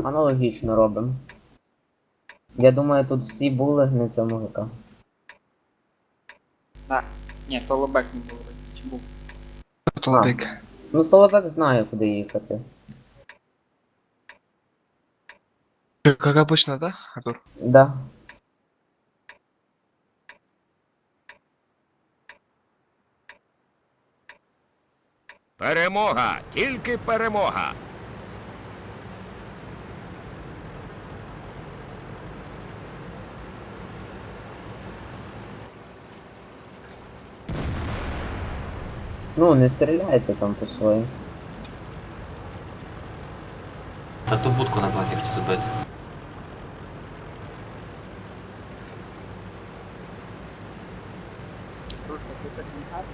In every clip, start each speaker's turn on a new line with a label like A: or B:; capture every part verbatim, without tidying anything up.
A: аналогічно робимо. Я думаю, тут всі були на цьому ГК.
B: Так. Ні, то лобек не був. Чи був?
C: Толбик.
A: Ну, Толебек знає, куди їхати.
C: Как обычно, да, Артур?
A: Да.
D: Перемога! Тільки перемога!
A: Ну, не стріляйте там по своїм.
E: Та ту будку на базі хочу збити.
B: Рушка, ти так не гарно.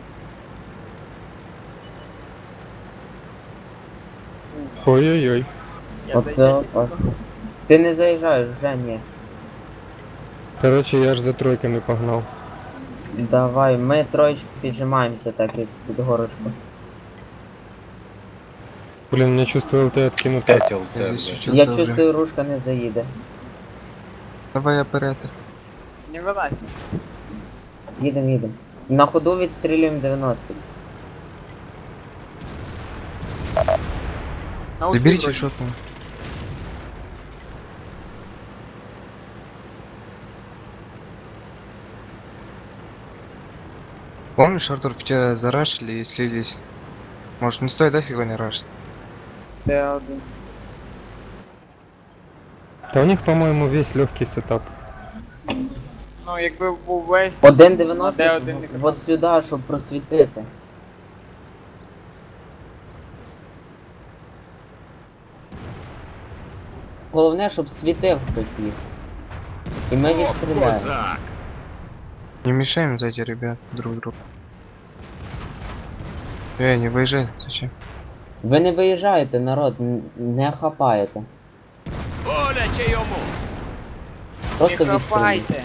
F: Ой-ой-ой.
B: Я
A: Оце
B: зайду.
A: опасно. Ти не заїжджаєш, вже ні.
F: Короче, я ж за тройками погнав.
A: Давай, ми троєчки піджимаємося так, як під горочку.
F: Блин, мне чувствовал, ты откинутый.
C: Я здесь чуть-чуть
A: Я
C: уже.
A: чувствую, рушка не заїде.
C: Давай оператор.
B: Не вилазь.
A: Їдем, їдем. На ходу відстрілюємо дев'яносто.
B: На усі
C: Заберите
B: вроді.
C: шотного. Помнишь, Артур, вчера зарашили и слились? Может, не стоит, да, фига не рашить?
B: Де один.
F: Да у них, по-моему, весь легкий сетап.
B: Ну, якби був весь...
A: один дев'яносто,
B: Де один не катав?
A: от сюди, щоб просвітити. Головне, щоб світив хтось їх. І ми
D: О,
A: відстріляємо.
D: козак!
C: Не мешаем сзади, ребят, друг другу. Эй, не выезжай, зачем?
A: Ви не виїжджаєте, народ, н- не хапаєте.
D: Боляче йому!
A: Просто
B: Не
A: відстрілюйте.
B: хапайте.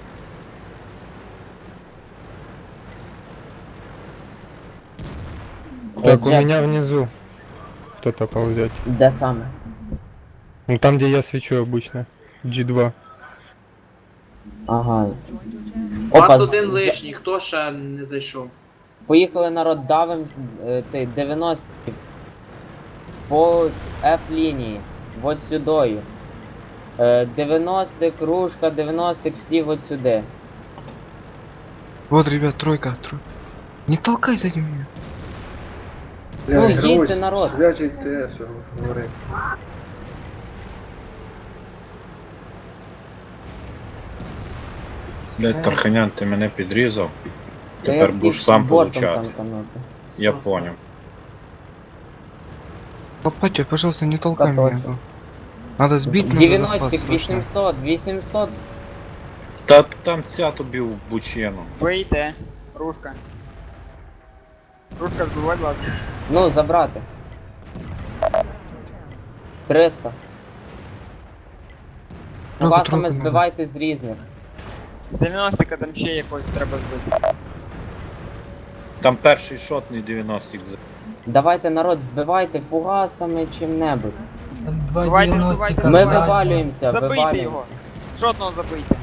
F: Так, у
A: Джек,
F: меня внизу кто-то ползет.
A: де саме?
F: Ну там, где я свечу обычно. джі два.
A: Ага.
G: У вас
A: з-
G: один
A: з-
G: лишній, хто ще не зайшов?
A: Поїхали, народ, давим е, цей дев'яносто по F-лінії, от сюдою. Е, дев'яносто, кружка, дев'яносто, всі от сюди.
C: Вот, ребят, тройка, тройка. Не толкай сзади меня.
A: Ну, їдьте, народ.
H: Блять, Тарханян, ти мене підрізав.
A: Та я
H: Тепер
A: хотів
H: будеш сам
A: бортом
H: получати.
A: танканути.
H: Я поняв.
C: Лопатя, пожалуйста, не толкай меня.
A: Готовься.
C: бро. Надо сбить, надо
A: дев'яносто,
C: запас, срочно.
A: вісімсот, вісімсот.
H: Та там ця тобі в бучину.
B: Вийте. Рушка. Рушка, збивай, ладно.
A: Ну, забрати. триста.
C: Тройку,
A: Фугасами
C: тройку надо.
A: збивайте з різних.
B: З дев'яностика там ще якось треба збити.
H: Там перший шотний дев'яностик. за-
A: Давайте, народ, збивайте фугасами чим-небудь.
B: Збивайте, збивайте.
A: Ми
B: Забийте.
A: вивалюємося,
B: Забийте його.
A: вивалюємося.
B: Шотного забийте.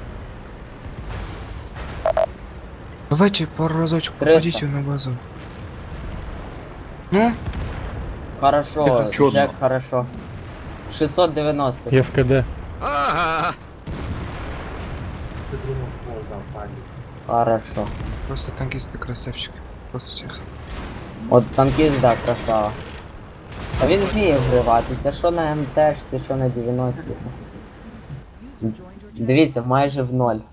C: Давайте пару разочек
A: Триста.
C: попадите на базу. Ну,
A: Хорошо,
H: Чудно.
A: Джек, хорошо. шістсот дев'яносто.
F: Я в КД.
D: Ага!
A: Хорошо.
C: просто танкисты красавчик. Просто всех.
A: От танкіст, да, красава. А він вміє вгриватися, що на МТшці, що на дев'яності. Дивіться, майже в ноль.